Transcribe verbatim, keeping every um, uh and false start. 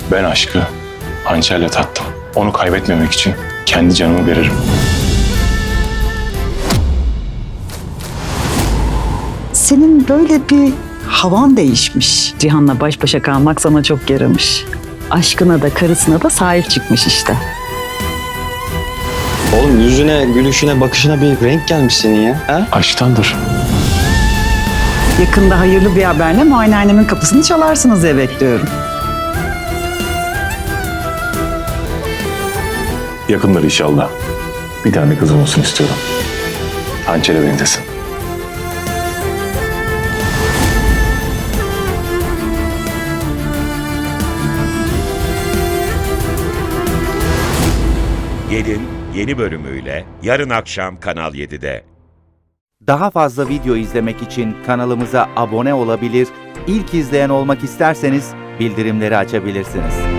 Ben aşkı hançerle tattım. Onu kaybetmemek için kendi canımı veririm. Senin böyle bir havan değişmiş. Cihan'la baş başa kalmak sana çok yaramış. Aşkına da karısına da sahip çıkmış işte. Oğlum yüzüne, gülüşüne, bakışına bir renk gelmiş senin ya. Ha? Aşktandır. Yakında hayırlı bir haberle muayenehanemin kapısını çalarsınız diye bekliyorum. Yakındır inşallah. Bir tane kızım olsun istiyorum. Hançere benzesin. Gelin yeni bölümüyle yarın akşam Kanal yedide. Daha fazla video izlemek için kanalımıza abone olabilir, ilk izleyen olmak isterseniz bildirimleri açabilirsiniz.